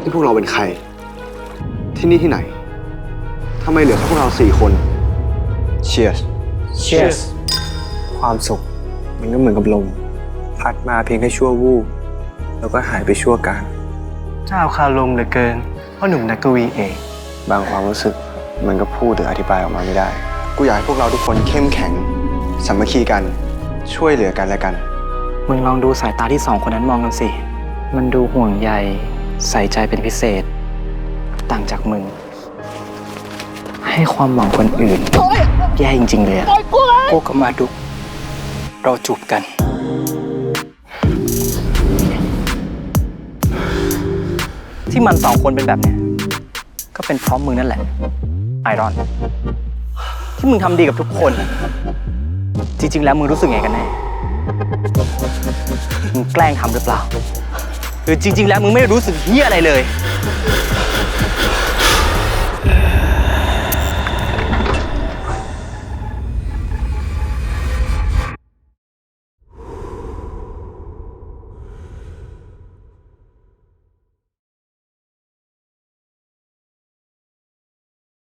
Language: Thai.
นี่พวกเราเป็นใคร ที่นี่ที่ไหนทำไมเหลือแค่พวกเรา4 คน Cheers Cheers ความสุขมันก็เหมือนกับลมพัดมาเพียงแค่ชั่ววูบแล้วก็หายไปชั่วการเจ้าคารมเหลือเกินพ่อหนุ่มนักกวีเองบางความรู้สึกมันก็พูดหรืออธิบายออกมาไม่ได้กูอยากให้พวกเราทุกคนเข้มแข็งสามัคคีกันช่วยเหลือกันและกันมึงลองดูสายตาที่2 คนนั้นมองกันสิมันดูห่วงใยใส่ใจเป็นพิเศษ ต่างจากมึง ให้ความหวังคนอื่นแย่จริงๆเลยอะกูกับมาดุกเราจูบกัน ที่มัน2 คนเป็นแบบเนี้ยก็เป็นเพราะมึงนั่นแหละไอรอนที่มึงทำดีกับทุกคน จริงๆแล้วมึงรู้สึกไงกันแน่มึงแกล้งทำหรือเปล่าหรือจริงๆแล้วมึงไม่รู้สึกเหี้ยอะไรเลย